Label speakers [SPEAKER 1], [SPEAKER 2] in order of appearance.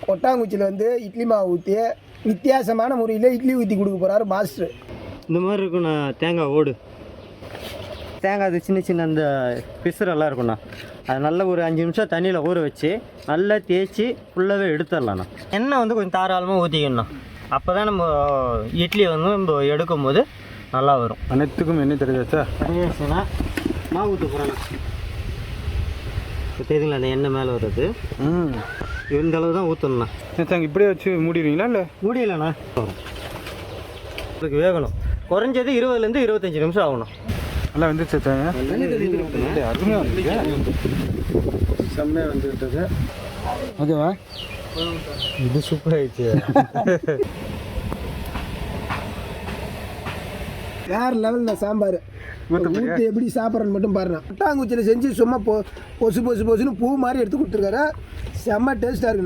[SPEAKER 1] கொட்டாங்குச்சியில் வந்து இட்லி மாவு ஊற்றி வித்தியாசமான முறையில் இட்லி ஊற்றி கொடுக்க போகிறாரு மாஸ்டர்.
[SPEAKER 2] இந்த மாதிரி இருக்குண்ணா தேங்காய் ஓடு. தேங்காய் அது சின்ன சின்ன அந்த பிசுரெல்லாம் இருக்குண்ணா. அது நல்லா ஒரு 5 நிமிஷம் தண்ணியில் ஊற வச்சு நல்லா தேய்ச்சி ஃபுல்லாகவே எடுத்துடலாண்ணா. எண்ணெய் வந்து கொஞ்சம் தாராளமாக ஊற்றிக்கணுண்ணா. அப்போ தான் நம்ம இட்லி வந்து நம்ம எடுக்கும் போது நல்லா வரும்.
[SPEAKER 3] அனைத்துக்கும் எண்ணெய் தெரியாச்சா?
[SPEAKER 2] தெரியாச்சுன்னா மாவு ஊற்ற போகிறேண்ணா. இப்போ தெரியுங்களா அந்த எண்ணெய் மேலே வருது. இந்த அளவு தான் ஊற்றணுண்ணா.
[SPEAKER 3] தேங்காய் இப்படியே வச்சு மூடிடுவீங்களா? இல்லை
[SPEAKER 2] மூடிடலண்ணா. இதுக்கு வேகணும். குறைஞ்சது 20லேருந்து 25 நிமிஷம் ஆகணும்.
[SPEAKER 3] நல்லா வந்துச்சு தேங்காய். அருமையாக வந்துருக்கு. செம்மையாக வந்துவிட்டது. ஓகேவா?
[SPEAKER 2] இது சூப்பர் ஆயிடுச்சு.
[SPEAKER 1] வேறு லெவலில் சாம்பார் ஊற்றி எப்படி சாப்பிட்றன்னு மட்டும் பாருங்க. கொட்டாங்குச்சியில் செஞ்சு சும்மா பொசு பொசுன்னு பூ மாதிரி எடுத்து கொடுத்துருக்காரு. செம்ம டேஸ்ட்டாக இருக்குண்ணா.